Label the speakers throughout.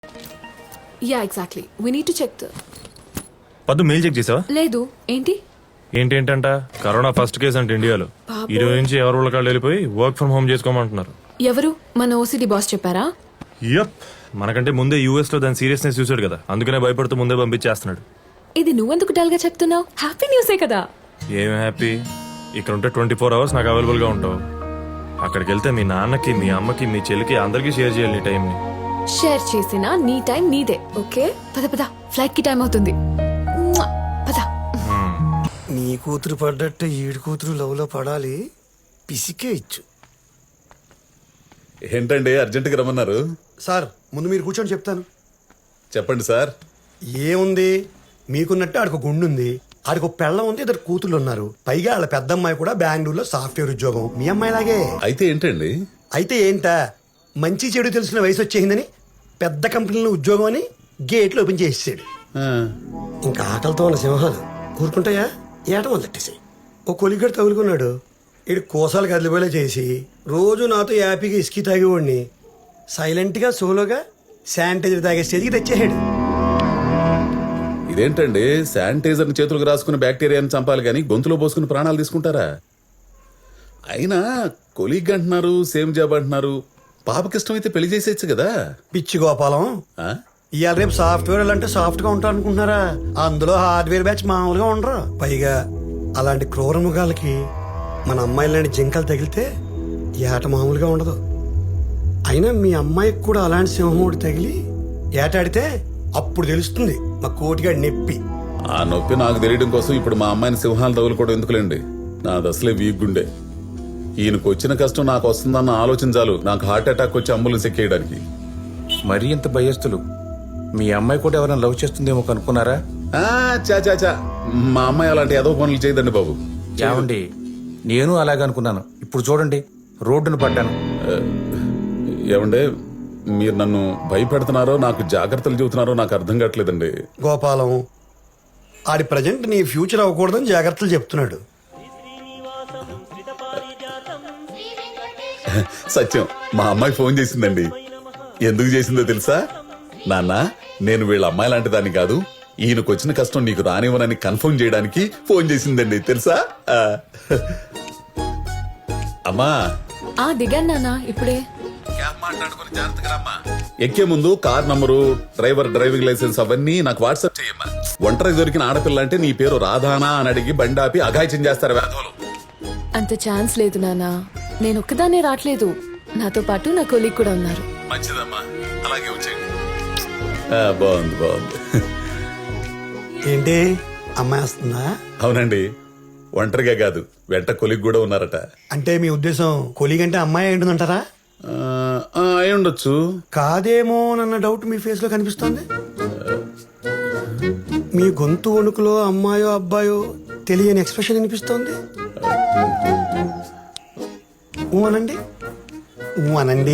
Speaker 1: Yeah exactly we need to check
Speaker 2: Paddu mail check చేసావా?
Speaker 1: లేదు ఏంటి
Speaker 2: ఏంటంట కరోనా ఫస్ట్ కేసు అంటే ఇండియాలో. ఈ రోజు నుంచి ఎవరు వాళ్ళకాళ్ళు వెళ్ళిపోయి వర్క్ ఫ్రం హోమ్ చేసుకోమంటున్నారు.
Speaker 1: ఎవరు మన ఓసిడి బాస్ చెప్పారా?
Speaker 2: యప్, మనకంటే ముందే యూఎస్ లో దాని సీరియస్నెస్ చూసాడు కదా, అందుకనే భయపడుతూ ముందే పంపించేస్తున్నాడు.
Speaker 1: ఇది నువ్వెందుకు డల్ గా చెప్తున్నావు? హ్యాపీ న్యూసే కదా.
Speaker 2: ఏం హ్యాపీ? ఇక్కడ ఉంటే 24 hours నాకు అవైలబుల్ గా ఉంటావు. అక్కడికి వెళ్తే మీ నాన్నకి, మీ అమ్మకి, మీ చెల్లికి అందరికీ షేర్ చేయాలి నీ టైం ని.
Speaker 1: షేర్ చేసినా నీ టైం నీదే. ఓకే పద పద, ఫ్లైట్ కి టైం అవుతుంది. మ్వా! పద.
Speaker 3: నీ కూతురు పడ్డట్టు ఈడు కూతురు లవ్ లో పడాలి, పిసికే ఇచ్చు.
Speaker 4: ఏంటండి అర్జెంటుగా రమ్మన్నారు?
Speaker 3: సార్ ముందు మీరు కూర్చొని చెప్తాను.
Speaker 4: చెప్పండి సార్.
Speaker 3: ఏముంది, మీకున్నట్టు ఆడికి గుండు ఉంది, ఆడికి పెళ్ళం ఉంది, ఇద్దరు కూతుళ్ళు ఉన్నారు. పైగా వాళ్ళ పెద్దమ్మాయి కూడా బెంగళూరులో సాఫ్ట్వేర్ ఉద్యోగం, మీ అమ్మాయిలాగే.
Speaker 4: అయితే ఏంటండి?
Speaker 3: అయితే ఏంటా, మంచి చెడు తెలిసిన వయసు వచ్చేసిందని పెద్ద కంపెనీలో ఉద్యోగం అని గేట్లు ఓపెన్ చేసేసాడు.
Speaker 4: ఆ,
Speaker 3: ఇంకా ఆకలితో ఉన్న సింహాలు ఊరుకుంటాయా? ఏట మొదలెట్టేసాయి. ఓ కొలిగడు తగులుకున్నాడు, ఇడు కోసాలు కదిలిపోయేలా చేసి రోజు నాతో యాపీగా ఇసుకి తాగేవాడిని సైలెంట్గా సోలోగా శానిటైజర్ తాగే స్టేజ్కి తెచ్చేసాడు.
Speaker 4: ఇదేంటండి, శానిటైజర్ చేతులకు రాసుకుని బ్యాక్టీరియాని చంపాలి కానీ గొంతులో పోసుకుని ప్రాణాలు తీసుకుంటారా? అయినా కొలీగ్ అంటున్నారు, సేమ్ జాబ్ అంటున్నారు. పాపకి ఇష్టమైతే పెళ్లి చేసేయచ్చు కదా.
Speaker 3: పిచ్చి గోపాలం,
Speaker 4: ఆ?
Speaker 3: ఇవాళ రేపు సాఫ్ట్వేర్ అంటే సాఫ్ట్ గా ఉంటారు అనుకుంటున్నారా? అందులో హార్డ్వేర్ బ్యాచ్ మామూలుగా ఉండరు. పైగా అలాంటి క్రూర మృగాలకి మన అమ్మాయిలాంటి జింకలు తగిలితే ఏట మామూలుగా ఉండదు. అయినా మీ అమ్మాయికి కూడా అలాంటి సింహముడు తగిలి ఏటాడితే అప్పుడు తెలుస్తుంది మా కోటిగాడి నొప్పి.
Speaker 4: ఆ నొప్పి నాకు తెలియడం కోసం ఇప్పుడు మా అమ్మాయిని సింహాలు తగులుకోవడం ఎందుకులేండి. నాది అసలే వీక్ గుండె. ఈయనకు వచ్చిన కష్టం నాకు వస్తుందన్న ఆలోచన చాలు నాకు హార్ట్ అటాక్ వచ్చి అంబులెన్స్ ఎక్కేయడానికి.
Speaker 5: మరీ ఇంత భయస్తులు. మీ అమ్మాయి కూడా ఎవరైనా లవ్ చేస్తుందేమో కనుక్కున్నారా?
Speaker 4: చా మా అమ్మాయి అలాంటి ఏదో పనులు చేయదండి బాబు.
Speaker 5: ఏమండి, నేను అలాగే అనుకున్నాను. ఇప్పుడు చూడండి, రోడ్డును పడ్డాను.
Speaker 4: ఏమండే, మీరు నన్ను భయపెడుతున్నారో నాకు జాగ్రత్తలు చెబుతున్నారో నాకు అర్థం కావట్లేదండి.
Speaker 3: గోపాలం, ఆడి ప్రజెంట్ నీ ఫ్యూచర్ అవ్వకూడదని జాగ్రత్తలు చెప్తున్నాడు.
Speaker 4: సత్యం, మా అమ్మాయి ఫోన్ చేసిందండి. ఎందుకు చేసిందో తెలుసా? నాన్న, నేను వీళ్ళ అమ్మాయి లాంటి దాన్ని కాదు, ఈయనకు వచ్చిన కష్టం నీకు రానివ్వనని కన్ఫర్మ్ చేయడానికి ఫోన్ చేసిందండి తెలుసా? అమ్మా
Speaker 1: దిగాను నాన్న ఇప్పుడే.
Speaker 4: ఎక్కే ముందు కార్ నంబరు, డ్రైవింగ్ లైసెన్స్ అవన్నీ నాకు వాట్సాప్ చేయమ్మా. ఒంటరి దొరికిన ఆడపిల్ల అంటే నీ పేరు రాధానా అని అడిగి బండాపి అఘాయిత్యం చేస్తారు వేధవులు.
Speaker 1: అంత ఛాన్స్ లేదు నాన్న, నేను ఒక్కదాన్నే రావట్లేదు, నాతో పాటు నా కొలీగ్ కూడా ఉన్నారు.
Speaker 4: మంచిదమ్మా, అలాగే వచ్చేయండి. బాగుంది బాగుంది.
Speaker 3: ఏంటి, అమ్మాయి వస్తుందా?
Speaker 4: అవునండి, ఒంటరిగా కాదు, వెంట కొలిగ్ కూడా ఉన్నారట.
Speaker 3: అంటే మీ ఉద్దేశం కొలీగ్ అంటే అమ్మాయి ఏంటంటారా?
Speaker 4: అయి ఉండొచ్చు.
Speaker 3: కాదేమో అన్న డౌట్ మీ ఫేస్ లో కనిపిస్తోంది. మీ గొంతు వణుకులో అమ్మాయో అబ్బాయో తెలియని ఎక్స్ప్రెషన్ అనిపిస్తోంది. అనండి, అనండి.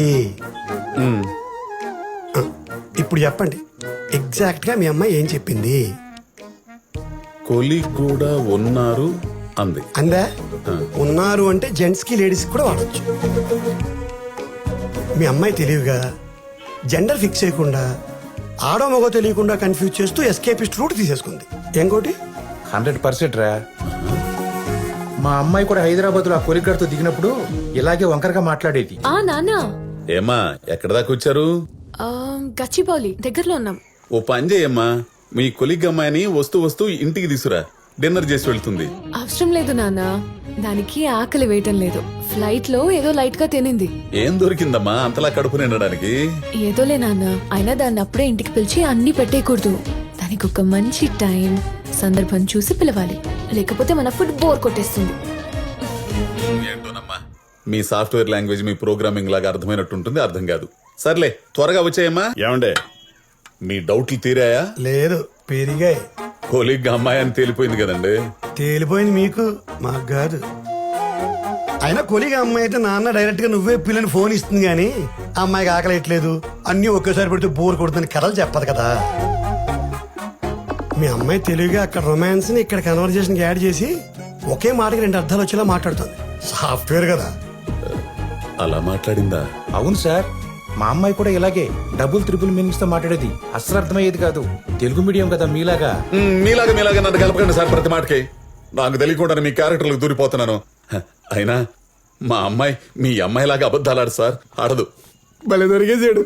Speaker 3: ఇప్పుడు చెప్పండి, ఎగ్జాక్ట్ గా మీ అమ్మాయి ఏం చెప్పింది?
Speaker 4: కొలిగ్ కూడా ఉన్నారు అంది.
Speaker 3: అందా? ఉన్నారు అంటే జెంట్స్ కి లేడీస్ కూడా వాడచ్చు. మీ అమ్మాయి తెలివిగా జెండర్ ఫిక్స్ చేయకుండా ఆడో మగో తెలియకుండా కన్ఫ్యూజ్ చేస్తూ ఎస్కేపిస్ట్ రూట్ తీసేసుకుంది. ఇంకోటి
Speaker 5: 100% రా. మా అమ్మాయి కూడా హైదరాబాద్ లో ఆ కొలిగడ్తో దిగినప్పుడు ఇలాగే వంకరగా మాట్లాడేది.
Speaker 1: నాన్న,
Speaker 4: ఏమా ఎక్కడ దాకా వచ్చారు?
Speaker 1: గచ్చిబౌలి దగ్గరలో ఉన్నాం.
Speaker 4: ఓ పని చేయమ్మా, మీ కొలిగ్ అమ్మాయిని వస్తూ వస్తూ ఇంటికి తీసురా, డిన్నర్ చేసి వెళ్తుంది.
Speaker 1: అవసరం లేదు నాన్న, దానికి ఆకలి వేయటం లేదు. ఫ్లైట్ లో ఏదో లైట్ గా తినింది.
Speaker 4: ఏం దొరికిందమ్మా అంతలా కడుపు నిండడానికి?
Speaker 1: ఏదోలే నాన్న, అయినా దాన్ని అప్పుడే ఇంటికి పిలిచి అన్ని పెట్టేయకూడదు. దానికి ఒక మంచి టైం, సందర్భం చూసి పిలవాలి, లేకపోతే మన ఫుడ్ బోర్ కొట్టేస్తుంది.
Speaker 4: ఏంటోనమ్మా, మీ సాఫ్ట్వేర్ లాంగ్వేజ్ మీ ప్రోగ్రామింగ్ లాగా అర్థమైనట్టుంటుంది, అర్థం కాదు. సర్లే, త్వరగా వచ్చాయమ్మా. ఏమండే, మీ డౌట్లు తీరాయా?
Speaker 3: లేదు, పెరిగాయి.
Speaker 4: కొలిగ్ అమ్మాయి అని తేలిపోయింది కదండి.
Speaker 3: తేలిపోయింది మీకు, మాకు కాదు. అయినా కొలిగా అమ్మాయి అయితే నాన్న డైరెక్ట్ గా నువ్వే పిల్లని ఫోన్ ఇస్తుంది గానీ అమ్మాయికి ఆకలేయట్లేదు, అన్ని ఒకేసారి పెడితే బోర్ కొడుతుందని కథలు చెప్పదు కదా. మీ అమ్మాయి తెలివిగా అక్కడ రొమాన్స్ ని ఇక్కడ కన్వర్జేషన్ యాడ్ చేసి ఒకే మాటకి 2 అర్థాలు వచ్చేలా మాట్లాడుతుంది. సాఫ్ట్వేర్ కదా.
Speaker 4: అలా మాట్లాడిందా?
Speaker 5: అవును సార్, మా అమ్మాయి కూడా ఇలాగే డబుల్ త్రిపుల్ మీనింగ్స్ తో మాట్లాడేది. అస్సలు అర్థమయ్యేది కాదు. తెలుగు మీడియం కదా మీలాగా.
Speaker 4: మీలాగా నన్ను కలపకండి సార్ ప్రతి మాటకి. నాకు తెలియకుండా మీ క్యారెక్టర్లకు దూరిపోతున్నాను. అయినా మా అమ్మాయి మీ అమ్మాయిలాగా అబద్ధాలు ఆడు సార్, ఆడదు.
Speaker 3: భలే దొరికేసాడు.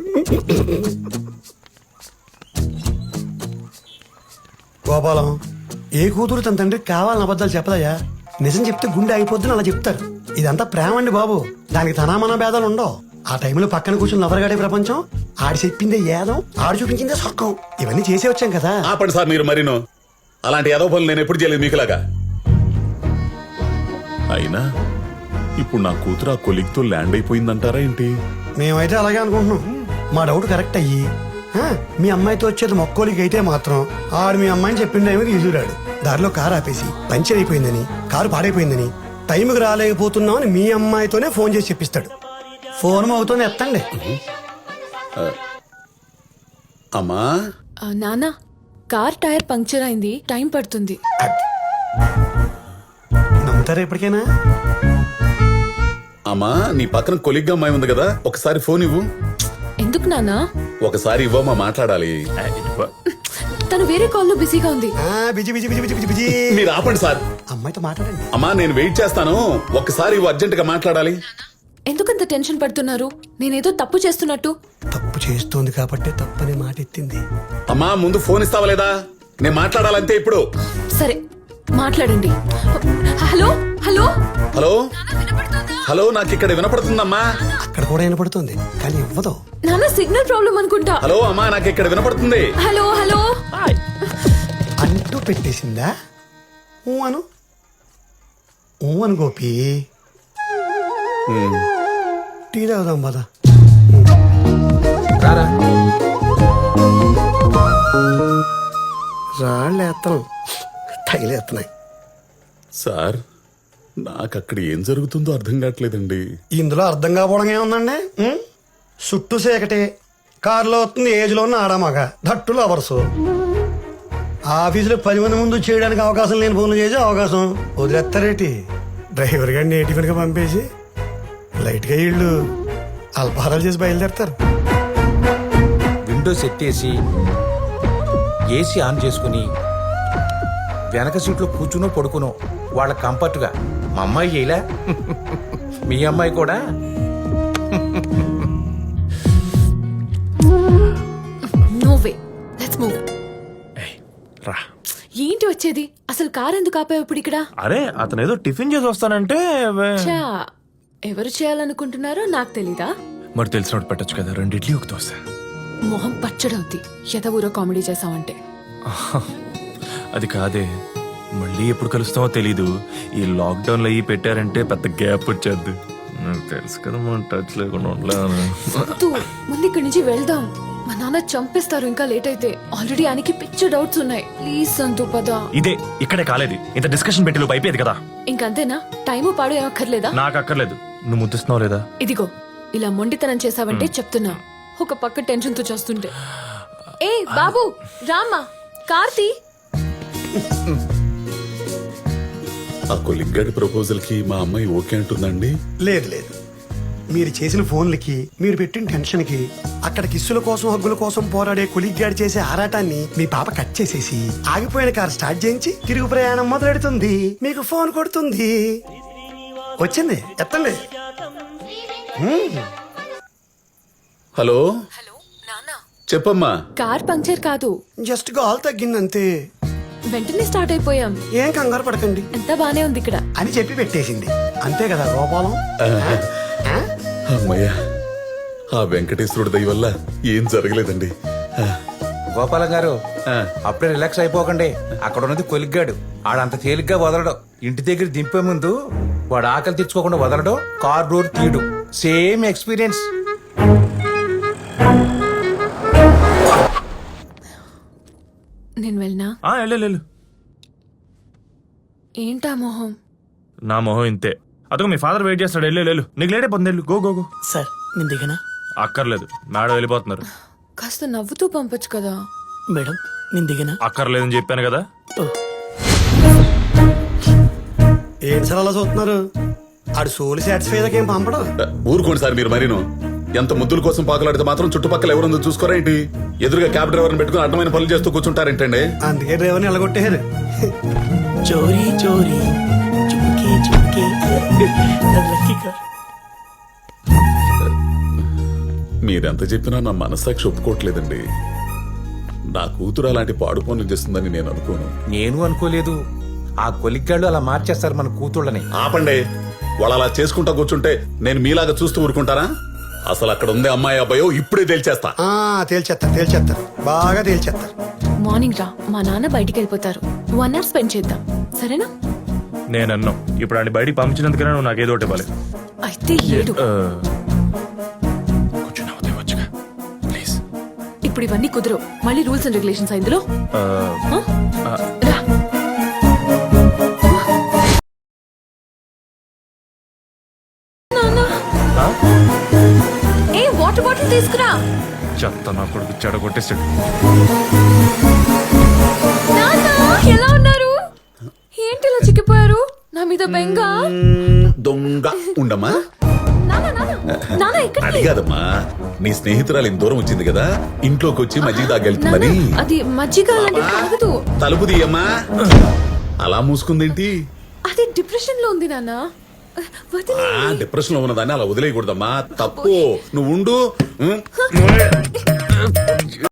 Speaker 3: గోపాలం, ఏ కూతురు తన తండ్రికి కావాలని అబద్ధాలు చెప్పదయ్యా. నిజం చెప్తే గుండె అయిపోద్దని అలా చెప్తారు. ఇదంతా ప్రేమ అండి బాబు. దానికి తనామన భేదాలు ఉండవు. ఆ టైంలో పక్కన కూర్చొని నవరగాడే ప్రపంచం. ఆడి చెప్పిందే ఏదం, ఆడు చూపించిందే సొక్కం. ఇవన్నీ చేసే వచ్చాం కదా.
Speaker 4: ఆపండి సార్ మీరు మరీను. అలాంటి ఏదో పనులు నేను ఎప్పుడు చేయలేదు మీకులాగా. అయినా ఇప్పుడు నా కూతురు ఆ కొలిగ్తో ల్యాండ్ అయిపోయిందంటారా ఏంటి?
Speaker 3: మేమైతే అలాగే అనుకుంటున్నాం. మా డౌట్ కరెక్ట్ అయ్యి మీ అమ్మాయితో వచ్చేది మొక్కోలికి అయితే మాత్రం ఆడు మీ అమ్మాయిని చెప్పిన టైంకి తీసుకురాడు. దారిలో కారు ఆపేసి పంచర్ అయిపోయిందని, కారు పాడైపోయిందని, టైంకి రాలేకపోతున్నామని మీ అమ్మాయితోనే ఫోన్ చేసి చెప్పిస్తాడు. ఫోన్ అవుతూనే ఎత్తండి.
Speaker 4: అమ్మా
Speaker 1: నాన్న, కార్ టైర్ పంక్చర్ అయింది, టైం పడుతుంది.
Speaker 3: నమ్ముతారా ఎప్పటికైనా?
Speaker 4: అమ్మా నీ పక్కన కొలిగ్గా అమ్మాయి ఉంది కదా, ఒకసారి ఫోన్ ఇవ్వు.
Speaker 1: ఎందుకు నాన్న?
Speaker 4: ఒకసారి ఇవ్వమ్మా, మాట్లాడాలి.
Speaker 1: తను వేరే కాల్లో బిజీగా ఉంది.
Speaker 3: Busy busy busy busy busy.
Speaker 4: మీరు ఆపండి సార్.
Speaker 3: అమ్మాయితో మాట్లాడండి.
Speaker 4: అమ్మా నేను వెయిట్ చేస్తాను, ఒక్కసారి ఇవ్వు, అర్జెంట్ గా మాట్లాడాలి.
Speaker 1: ఎందుకంత టెన్షన్ పడుతున్నారు? నేనేదో తప్పు చేస్తున్నట్టు.
Speaker 3: తప్పు చేస్తోంది కాబట్టి తప్పని మాట ఎత్తింది.
Speaker 4: అమ్మా ముందు ఫోన్ ఇస్తావా లేదా? నేను మాట్లాడాలంతే ఇప్పుడు.
Speaker 1: సరే మాట్లాడండి. హలో హలో
Speaker 4: హలో హలో, నాకు ఇక్కడ వినపడుతుందమ్మా.
Speaker 3: అక్కడ కూడా వినపడుతుంది కానీ ఇవ్వదు.
Speaker 1: నాన్న సిగ్నల్ ప్రాబ్లం అనుకుంటా.
Speaker 4: హలో అమ్మా, నాకు ఇక్కడ వినపడుతుంది.
Speaker 1: హలో హలో
Speaker 3: అంటూ పెట్టేసిందా? ఊ అను, ఊ అను గోపి. టీ తాగుదాం పద.
Speaker 5: రారా.
Speaker 3: రాళ్ళు ఎత్తనం, తగిలేస్తున్నాయి.
Speaker 4: సార్ నాకు అక్కడ ఏం జరుగుతుందో అర్థం కావట్లేదండి.
Speaker 3: ఇందులో అర్థం కాకపోవడం ఏముందండి? చుట్టూ సేకటే, కారులో వస్తుంది ఏజ్లో ఉన్న ఆడమగ, ధట్టులు అవర్సు. ఆఫీసులో 10 మంది ముందు చేయడానికి అవకాశం లేని ఫోన్లు చేసే అవకాశం వదిలేస్తారేటి? డ్రైవర్ గారిని టిఫిన్గా పంపేసి లైట్గా ఇళ్ళు అల్పాహారాలు చేసి బయలుదేరతారు.
Speaker 5: విండోస్ ఎత్తేసి ఏసీ ఆన్ చేసుకుని వెనక సీట్లో కూర్చునో పడుకునో వాళ్ళ కంఫర్ట్గా. మా అమ్మాయి చేయలే, మీ అమ్మాయి కూడా.
Speaker 1: No way, let's move.
Speaker 2: రా.
Speaker 1: ఏంటి వచ్చేది? అసలు కార్ ఎందుకు ఆపావు ఇప్పుడు ఇక్కడ?
Speaker 2: అరే అతను ఏదో టిఫిన్ చేసి వస్తానంటే
Speaker 1: చా, ఎవరు చేయాలనుకుంటున్నారో నాకు తెలీదా?
Speaker 2: మరి తెలిసినట్టు పెట్టచ్చు కదా, 2 ఇడ్లీ ఒక దోశ.
Speaker 1: మొహం పచ్చడవుద్ది ఎదవూరో కామెడీ చేసావంటే.
Speaker 2: అది కాదే, మళ్ళీ ఎప్పుడు కలుస్తామో తెలీదు. ఈ లాక్డౌన్ లో ఈ పెట్టారంటే పెద్ద గ్యాప్ వచ్చేద్ది. నాకు తెలుసు కదా మనం టచ్ లేకుండా ఉండలేను.
Speaker 1: ముందు ఇక్కడి నుంచి వెళ్దాం. మా నాన్న చంపేస్తారు ఇంకా లేట్ అయితే. ఆల్రెడీ ఆయనకి పిచ్చ డౌట్స్ ఉన్నాయి. ప్లీజ్ సంతు పద.
Speaker 2: ఇదే ఇక్కడే కాలేదు, ఇంత డిస్కషన్ పెట్టి లోపు అయిపోయేది కదా.
Speaker 1: ఇంకంతేనా? టైము పాడు ఏమక్కర్లేదా?
Speaker 2: నాకు అక్కర్లేదు. నువ్వు ముద్దిస్తున్నావు లేదా?
Speaker 1: ఇదిగో ఇలా మొండితనం చేసావంటే చెప్తున్నా. ఒక పక్క టెన్షన్ తో చేస్తుంటే. ఏ బాబు రామ్మా, కార్తీ.
Speaker 4: ఆ కొలిగ్గాడి ప్రపోజల్ కి మా అమ్మాయి ఓకే అంటుందండి?
Speaker 3: లేదు లేదు, మీరు చేసిన ఫోన్లకి, మీరు పెట్టిన టెన్షన్ కి, అక్కడ కిస్సుల కోసం హగ్గుల కోసం పోరాడే కొలిగ్గాడి చేసే ఆరాటాన్ని మీ పాప కట్ చేసేసి ఆగిపోయిన కార్ స్టార్ట్ చేయించి తిరుగు ప్రయాణం మొదలెడుతుంది. మీకు ఫోన్ కొడుతుంది. వచ్చింది, ఎత్తండి.
Speaker 4: హలో
Speaker 1: హలో నాన్న,
Speaker 4: చెప్పమ్మా.
Speaker 1: కార్ పంక్చర్ కాదు,
Speaker 3: జస్ట్ గాల్ తగ్గిందంతే.
Speaker 1: వెంటనే స్టార్ట్ అయిపోయాం.
Speaker 3: ఏం కంగారు పడకండి
Speaker 1: ఎంత బానే ఉంది ఇక్కడ
Speaker 3: అని చెప్పి పెట్టేసింది. అంతే కదా గోపాలం?
Speaker 4: అమ్మయ్యా, ఆ వెంకటేశ్వరుడి దయ వల్ల ఏం జరగలేదండి.
Speaker 5: గోపాలం గారు అప్పుడే రిలాక్స్ అయిపోకండి. అక్కడ ఉన్నది కొలిగ్గాడు, ఆడంత తేలిగ్గా వదలడు. ఇంటి దగ్గర దింపే ముందు వాడు ఆకలి తెచ్చుకోకుండా వదలడు, కార్ డోర్ తీయడు. Same experience.
Speaker 1: నేను వెళ్ళనా?
Speaker 2: వెళ్ళు.
Speaker 1: ఏంటా మొహం?
Speaker 2: నా మొహం ఇంతే. అదొక మీ ఫాదర్ వెయిట్ చేస్తాడు. వెళ్ళు, నీకు లేటే పొందేళ్ళు. Go go go.
Speaker 6: సార్ నేను దిగనా?
Speaker 2: అక్కర్లేదు, మేడం వెళ్ళిపోతున్నారు.
Speaker 1: కాస్త నవ్వుతూ పంపొచ్చు కదా.
Speaker 6: మేడం నేను దిగనా?
Speaker 2: అక్కర్లేదని చెప్పాను కదా.
Speaker 3: ఏం సార్ అలా చూస్తున్నారు? ఆడు సోలు సాటిస్ఫై ఏం పంపడం.
Speaker 4: ఊరుకోండి సార్ మీరు మరీను. ఎంత ముద్దుల కోసం పాకలాడితే మాత్రం చుట్టుపక్కల ఎవరుందో చూసుకోరా ఏంటి? ఎదురుగా క్యాబ్ డ్రైవర్ని పెట్టుకుని అడ్డమైన పనులు చేస్తూ కూర్చుంటారేంటండి?
Speaker 3: అందుకే డ్రైవర్ని ఎలగొట్టేశారు.
Speaker 6: చోరీ చోరీ చుమ్కే చుమ్కే అది లక్కీ కార్.
Speaker 4: మీరెంత చెప్పినా నా మనస్సాక్షి ఒప్పుకోవట్లేదండి. నా కూతురు అలాంటి పాడు పనులు చేస్తుందని నేను అనుకోను.
Speaker 5: నేను అనుకోలేదు. ఆ కొలిగ్గాళ్ళు అలా మార్చేస్తారు మన కూతుళ్ళని.
Speaker 4: ఆపండి. వాళ్ళు అలా చేసుకుంటా కూర్చుంటే నేను మీలాగా చూస్తూ ఊరుకుంటారా? అసలు అక్కడ ఉంది అమ్మాయి అబ్బాయో ఇప్పుడే తేల్చేస్తా.
Speaker 3: తేల్చేస్తారు బాగా తేల్చేస్తారు.
Speaker 1: మార్నింగ్ రా, మా నాన్న బయటికి వెళ్ళిపోతారు. 1 hour స్పెండ్ చేద్దాం, సరేనా?
Speaker 2: నేను అన్నాం ఇప్పుడు ఆయన బయటికి పంపించినందుకనే నువ్వు నాకేదో ఒకటి ఇవ్వాలి.
Speaker 1: అయితే ఏడు.
Speaker 2: కొంచెం నవ్వుతే వచ్చుగా ప్లీజ్.
Speaker 1: ఇప్పుడు ఇవన్నీ కుదరవు. మళ్ళీ రూల్స్ అండ్ రెగ్యులేషన్స్ ఇందులో. ఆ? రా. ఏ వాటర్ బాటిల్ తీసుకురా.
Speaker 2: చెత్త నా కొడుకు చెడగొట్టేసాడు.
Speaker 1: నాన్న ఎలా ఉన్నారు? ఏంటి ఇలా చిక్కిపోయారు? నా మీద బెంగ.
Speaker 4: దొంగ ఉండమ్మా.
Speaker 1: నాన్న నాన్న నాన్న ఎక్కడికి?
Speaker 4: అడిగాదమ్మా, నీ స్నేహితురాలు ఇంత దూరం వచ్చింది కదా, ఇంట్లోకి వచ్చి మజ్జిగ
Speaker 1: నాన్న,
Speaker 4: తాగెళ్తుందని.
Speaker 1: అది మజ్జిగ లాంటి తాగదు.
Speaker 4: తలుపు తీయమ్మా. అలా మూసుకుందేంటి?
Speaker 1: అది డిప్రెషన్ లో ఉంది నాన్న. వదిలే.
Speaker 4: డిప్రెషన్ లో ఉన్నదాన్ని అలా వదిలేయకూడదమ్మా, తప్పు. నువ్వు ఉండు.